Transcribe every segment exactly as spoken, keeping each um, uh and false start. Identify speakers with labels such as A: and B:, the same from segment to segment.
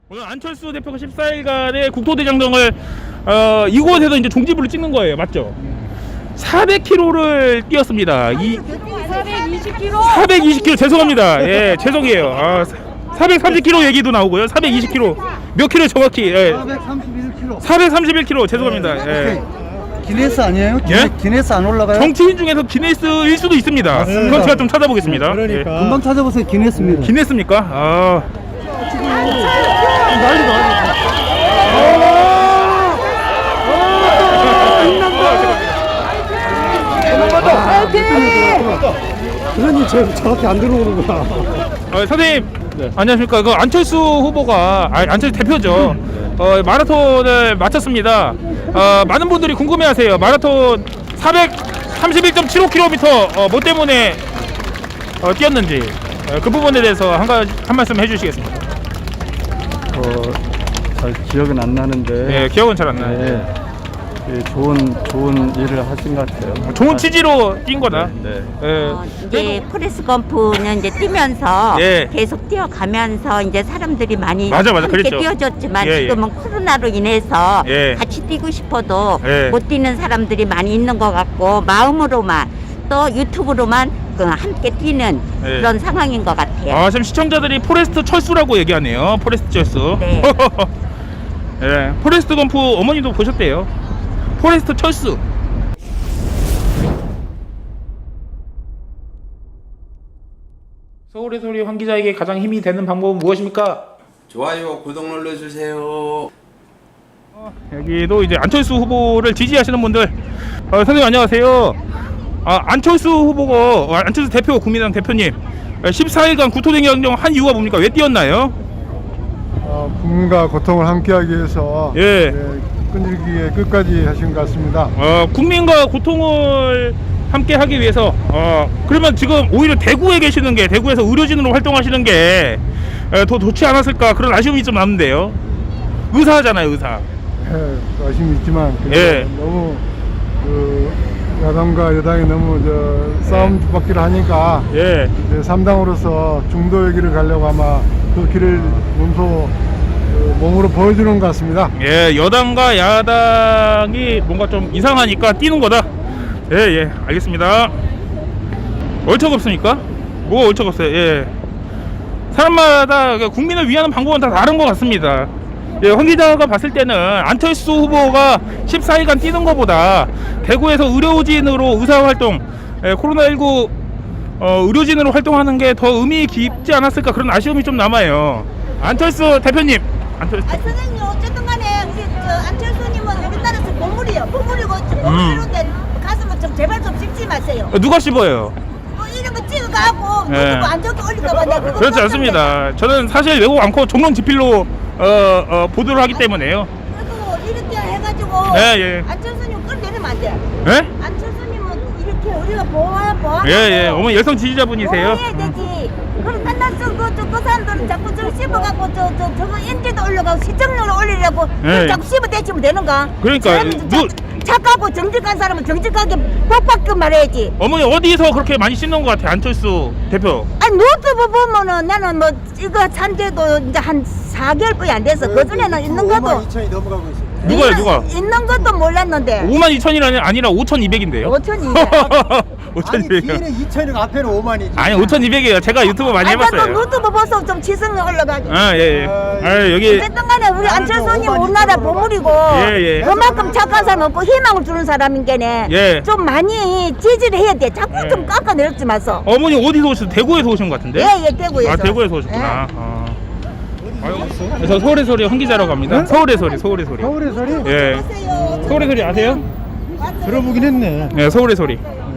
A: 오늘 안철수 대표가 십사 일간의 국토대장정을 어, 이곳에서 이제 종지부를 찍는 거예요. 맞죠? 사백 킬로미터를 뛰었습니다. 이
B: 사백이십 킬로미터.
A: 사백이십 킬로미터 죄송합니다. 예, 죄송해요. 아, 사백삼십 킬로미터 얘기도 나오고요. 사백이십 킬로미터 몇 킬로 정확히? 예.
C: 사백삼십일 킬로미터.
A: 사백삼십일 킬로미터 죄송합니다. 예.
C: 기네스 아니에요? 기네,
A: 예?
C: 기네스 안 올라가요?
A: 정치인 중에서 기네스일 수도 있습니다.
C: 맞습니다.
A: 그건 제가 좀 찾아보겠습니다.
C: 그러니까
A: 예.
C: 금방 찾아보세요. 기네스입니다.
A: 기네스입니까? 아.
C: 그러니 저 정확히 안 들어오는구나.
A: 어, 선생님 안녕하십니까. 그 안철수 후보가 아, 안철수 대표죠. 어, 마라톤을 마쳤습니다. 어, 많은 분들이 궁금해하세요. 마라톤 사백삼십일 점 칠오 킬로미터 어, 뭐 때문에 어, 뛰었는지 어, 그 부분에 대해서 한 가지 한 말씀 해주시겠습니다.
D: 어, 잘 기억은 안 나는데
A: 예, 기억은 잘 안 나요.
D: 네, 예, 좋은 좋은 일을 하신 것 같아요.
A: 좋은 취지로 뛴 거다.
D: 네.
A: 예.
B: 어, 이제 포레스트 검프는 이제 뛰면서
A: 예.
B: 계속 뛰어가면서 이제 사람들이 많이
A: 맞아, 맞아.
B: 함께
A: 그랬죠.
B: 뛰어줬지만
A: 예, 예.
B: 지금은 코로나로 인해서
A: 예.
B: 같이 뛰고 싶어도
A: 예.
B: 못 뛰는 사람들이 많이 있는 것 같고 마음으로만 또 유튜브로만 그 함께 뛰는
A: 예.
B: 그런 상황인 것 같아요.
A: 아, 지금 시청자들이 포레스트 철수라고 얘기하네요. 포레스트 철수.
B: 네.
A: 예, 포레스트 검프 어머니도 보셨대요. 포레스트 철수. 서울의 소리 황 기자에게 가장 힘이 되는 방법은 무엇입니까?
E: 좋아요, 구독 눌러주세요.
A: 여기도 이제 안철수 후보를 지지하시는 분들, 어, 선생님 안녕하세요. 아, 안철수 후보가 어, 안철수 대표 국민의당 대표님 십사 일간 국토대장정 한 이유가 뭡니까? 왜 뛰었나요?
F: 어, 국민과 고통을 함께하기 위해서
A: 예.
F: 예, 끈질기게 끝까지 하신 것 같습니다.
A: 어, 국민과 고통을 함께 하기 위해서 어, 그러면 지금 오히려 대구에 계시는 게 대구에서 의료진으로 활동하시는 게 더 좋지 않았을까 그런 아쉬움이 좀 남는데요. 의사잖아요, 의사.
F: 예, 아쉬움이 있지만 그래도
A: 예.
F: 너무 그 야당과 여당이 너무 저 싸움 주바퀴를 하니까
A: 예.
F: 이제 삼 당으로서 중도의 길을 가려고 아마 그 길을 몸소 그 몸으로 보여주는 것 같습니다.
A: 예, 여당과 야당이 뭔가 좀 이상하니까 뛰는 거다. 예, 예, 알겠습니다. 얼척없습니까? 뭐 얼척없어요? 예. 사람마다 국민을 위하는 방법은 다 다른 것 같습니다. 예, 황 기자가 봤을 때는 안철수 후보가 십사 일간 뛰는 것보다 대구에서 의료진으로 의사활동, 예, 코로나십구 어, 의료진으로 활동하는 게 더 의미 깊지 않았을까 그런 아쉬움이 좀 남아요. 안철수 대표님, 안철수
G: 아 선생님 어쨌든 간에 우리 저 안철수님은 우리나라에서 보물이요 보물이고
A: 음.
G: 보물이런데 가슴을 좀 제발 좀 씹지 마세요.
A: 어, 누가 씹어요?
G: 뭐 이런 거 찍어가고
A: 예.
G: 유튜브 안 좋게 올릴까봐 내가 그거
A: 그렇지
G: 깜짝
A: 않습니다. 저는 사실 외국 않고 종론 지필로 어, 어, 보도를 하기 때문에요.
G: 놀랐어요. 그래도 이렇게 해가지고
A: 예, 예.
G: 안철수님 끌내리면 안 돼.
A: 예?
G: 안철수님은 이렇게 우리가 보호 보호.
A: 예, 예. 어머니 열성 지지자분이세요.
G: 보호해야 되지. 그럼 맨날 저그 그 사람들은 자꾸 저 씹어갖고 저 저 저거 인지도 올려가고 시청률을 올리려고
A: 예.
G: 자꾸 씹어대치면 되는가?
A: 그러니까
G: 사람은
A: 누-
G: 자- 착하고 정직한 사람은 정직하게 복받게 말해야지.
A: 어머니 어디서 그렇게 많이 씹는 것 같아, 안철수 대표?
G: 아니 노트북 보면은 나는 뭐 이거 산지도 이제 한 사 개월뿐이 안 돼서 그 전에는 있는 것도
F: 이천이 넘어가고 있어요.
A: 누가요,
G: 있는-
A: 누가?
G: 있는 것도 몰랐는데
A: 오만 이천이 아니라 오천이백인데요.
G: 오천이백.
A: 오천이백이요.
F: 이천이고 앞에는 오만이지.
A: 아니, 오천이백이에요. 제가 유튜브 많이
G: 아까 그
A: 해봤어요.
G: 노트북 보서 좀 지성이 올라가지.
A: 아, 예, 예. 아, 여기
G: 어쨌든 간에 우리 안철수님 우리나라 보물이고
A: 예, 예.
G: 그만큼 착한 사람 없고 희망을 주는 사람인 게네
A: 예.
G: 좀 많이 지지를 해야 돼. 자꾸
A: 예.
G: 좀 깎아내렸지 마서.
A: 어머니 어디서 오셨어요? 대구에서 오신 것 같은데?
G: 예예 대구에서.
A: 아, 대구에서 오셨구나. 아. 아유, 저 서울의 소리 황 기자라고 합니다. 서울의 소리, 서울의 소리.
F: 서울의 소리?
A: 예.
G: 안녕하세요.
A: 서울의 소리 아세요?
F: 들어보긴 했네.
A: 네, 서울의 소리.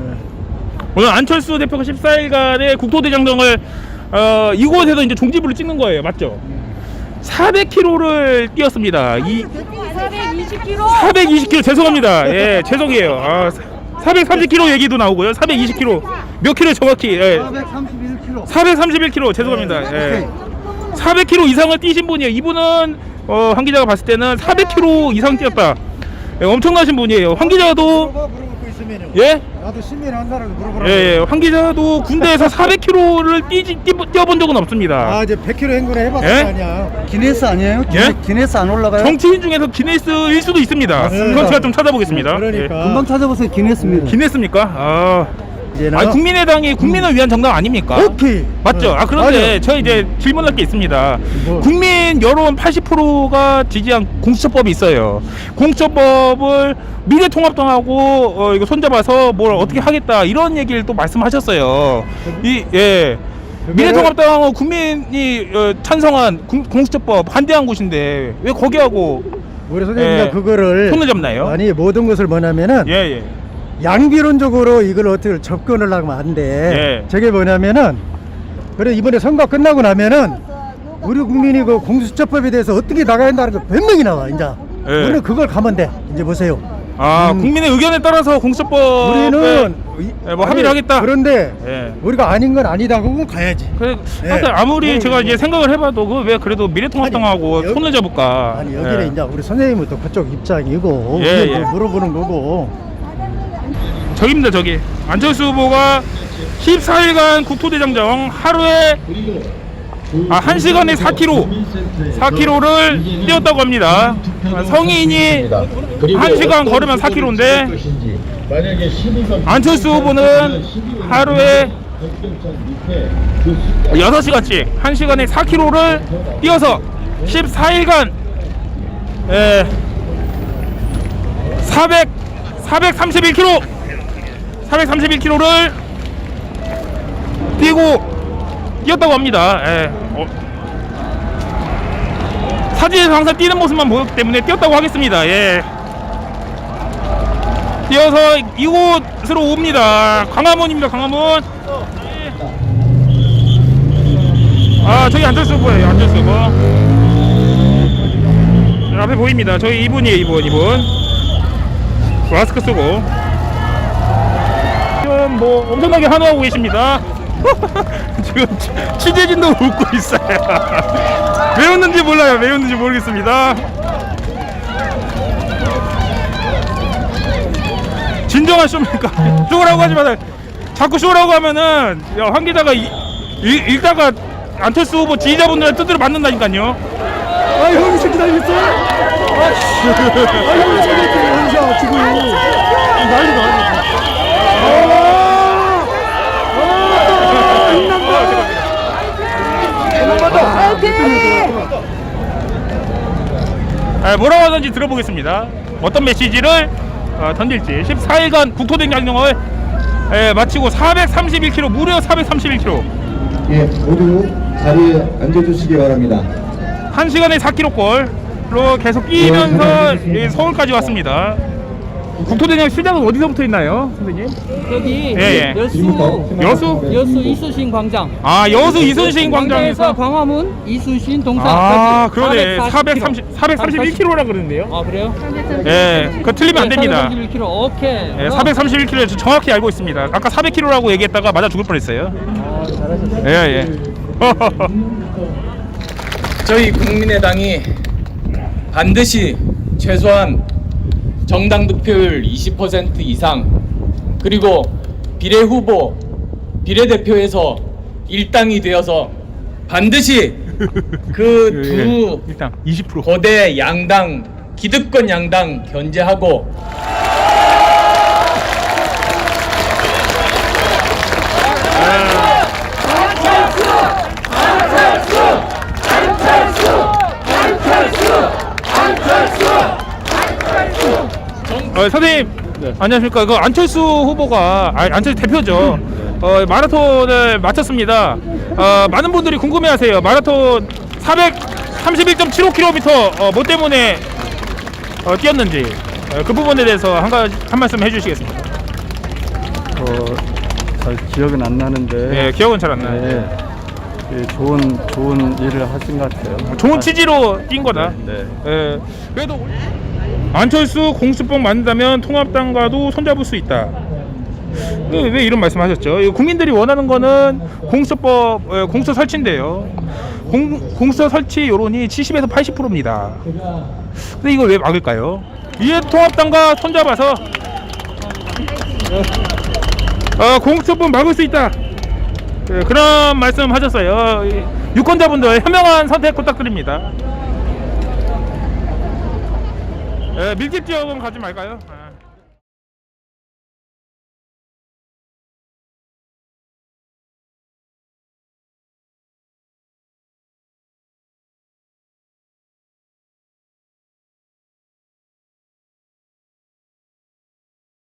A: 오늘 안철수 대표가 십사 일간의 국토대장정을 어, 이곳에서 이제 종지부를 찍는 거예요. 맞죠? 사백 킬로미터를 뛰었습니다. 이
B: 사백이십 킬로미터.
A: 사백이십 킬로미터 죄송합니다. 예, 죄송해요. 아, 사백삼십 킬로미터 얘기도 나오고요. 사백이십 킬로미터 몇 킬로 정확히? 예.
F: 사백삼십일 킬로미터.
A: 사백삼십일 킬로미터 죄송합니다. 예. 사백 킬로미터 이상을 뛰신 분이에요. 이분은 어, 황 기자가 봤을 때는 사백 킬로미터 이상 뛰었다. 예, 엄청나신 분이에요. 황 기자도
C: 있으면요.
A: 예?
C: 나도 시민 한다라고 물어보라고.
A: 예, 예. 황 기자도 군대에서 사백 킬로미터를 뛰지, 뛰, 뛰어본 적은 없습니다.
C: 아 이제 백 킬로미터 행군에 해봤을
A: 예?
C: 거 아니야.
D: 기네스 아니에요? 기네,
A: 예?
D: 기네스 안 올라가요?
A: 정치인 중에서 기네스일 수도 있습니다.
C: 맞습니다.
A: 그건 제가 좀 찾아보겠습니다.
C: 그러니까.
D: 금방 찾아보세요. 기네스입니다.
A: 예. 기네스입니까? 아,
C: 이제는
A: 아니, 국민의당이 국민을 위한 정당 아닙니까?
C: 오케이.
A: 맞죠?
C: 어,
A: 아, 그런데
C: 맞아.
A: 저 이제 질문할 게 있습니다.
C: 뭐?
A: 국민 여론 팔십 퍼센트가 지지한 공수처법이 있어요. 공수처법을 미래통합당하고 어, 이거 손잡아서 뭘 어떻게 하겠다 이런 얘기를 또 말씀하셨어요. 이 예. 미래통합당하고 국민이 어, 찬성한 공, 공수처법 반대한 곳인데 왜 거기하고
C: 우리 선생님이
A: 예.
C: 그거를
A: 손을 잡나요?
C: 아니 모든 것을 뭐냐면은
A: 예, 예.
C: 양비론적으로 이걸 어떻게 접근을 하면 안 돼.
A: 예.
C: 저게 뭐냐면은 그래 이번에 선거 끝나고 나면은 우리 국민이 그 공수처법에 대해서 어떻게 나가야 한다는 거 변명이 나와 이제.
A: 예.
C: 우리는 그걸 가면 돼. 이제 보세요.
A: 아,
C: 음.
A: 국민의 의견에 따라서 공수처법
C: 우리는
A: 예, 뭐 합의를 하겠다.
C: 그런데
A: 예.
C: 우리가 아닌 건 아니다. 그건 가야지.
A: 그래,
C: 예.
A: 하여튼 아무리
C: 네,
A: 제가
C: 네.
A: 이제 생각을 해봐도 그 왜 그래도 미래통합당하고
C: 아니, 여기-
A: 손을 잡을까?
C: 아니 여기는
A: 예.
C: 이제 우리 선생님은 또 그쪽 입장이고
A: 예,
C: 우리는
A: 예.
C: 또 물어보는 거고.
A: 저기입니다, 저기. 안철수 후보가 십사 일간 국토대장정 하루에 아, 한 시간에 사 킬로미터 사 킬로미터를 뛰었다고 합니다. 성인이 한 시간 걸으면 사 킬로미터인데 안철수 후보는 하루에 여섯 시간씩 한 시간에 사 킬로미터를 뛰어서 십사 일간 에, 사백, 사백삼십일 킬로미터 사백삼십일 킬로미터를 뛰고 뛰었다고 합니다. 예. 어. 사진에서 항상 뛰는 모습만 보였기 때문에 뛰었다고 하겠습니다. 예. 뛰어서 이곳으로 옵니다. 광화문입니다. 광화문. 아, 저기 안철수 후보예요. 안철수 후보. 앞에 보입니다. 저희 이분이에요. 이분 이분. 마스크 쓰고. 지금 뭐 엄청나게 환호하고 계십니다. 지금 취- 취재진도 웃고 있어요. 왜 웃는지 몰라요. 왜 웃는지 모르겠습니다. 진정한 쇼입니까? 쇼라고 하지 마세요. 자꾸 쇼라고 하면은 야, 황 기자가 이, 이, 읽다가 안철수 후보 지지자분들의 뜻대로 맞는다니까요.
C: 아 형이 새끼 달렸어? 아 형이 새끼 달렸어 지금. 난리 나.
A: 아, 뭐라고 하는지 들어보겠습니다. 어떤 메시지를 어, 던질지. 십사 일간 국토대장정을 예, 마치고 사백삼십일 킬로미터 무려 사백삼십일 킬로미터
H: 예, 모두 자리에 앉아주시기 바랍니다.
A: 한 시간에 사 킬로미터꼴로 계속 뛰면서 예, 서울까지 왔습니다. 국토대장 시작은 어디서부터 있나요, 선생님?
I: 여기
A: 예, 예.
I: 여수
A: 여수?
I: 여수 이순신 광장.
A: 아, 여수 이순신 광장에서
I: 광장에서 광화문 이순신 동상.
A: 아, 그러네. 사백삼십, 사백삼십일 킬로미터라 그러는데요.
I: 아 그래요?
A: 예, 그거 틀리면 안 됩니다.
I: 사백삼십일 킬로미터. 오케이.
A: 예, 사백삼십일 킬로미터 정확히 알고 있습니다. 아까 사백 킬로미터라고 얘기했다가 맞아 죽을 뻔했어요.
I: 아, 잘하셨어요.
A: 예, 예.
J: 저희 국민의당이 반드시 최소한 정당 득표율 이십 퍼센트 이상 그리고 비례후보 비례대표에서 일당이 되어서 반드시 그 두
A: 일단 이십 퍼센트
J: 거대 양당 기득권 양당 견제하고
A: 어, 선생님
D: 네.
A: 안녕하십니까. 그 안철수 후보가 아, 안철수 대표죠. 어, 마라톤을 마쳤습니다. 어, 많은 분들이 궁금해하세요. 마라톤 사백삼십일 점 칠오 킬로미터 어, 뭐 때문에 어, 뛰었는지 어, 그 부분에 대해서 한 가지 한 말씀 해주시겠습니까?
D: 어, 잘 기억은 안 나는데.
A: 예, 기억은 잘 안 나요.
D: 네. 예, 좋은 좋은 일을 하신 것 같아요.
A: 좋은 취지로 뛴 거다.
D: 네.
A: 예, 그래도 안철수 공수법 만든다면 통합당과도 손잡을 수 있다. 왜, 왜 이런 말씀하셨죠? 국민들이 원하는 거는 공수법 예, 공수 설치인데요. 공, 공수 설치 여론이 칠십에서 팔십 퍼센트입니다. 근데 이걸 왜 막을까요? 이에 통합당과 손잡아서 어, 공수처법 막을 수 있다. 예, 그런 말씀 하셨어요. 이 유권자분들 현명한 선택 부탁드립니다. 예, 밀집 지역은 가지 말까요?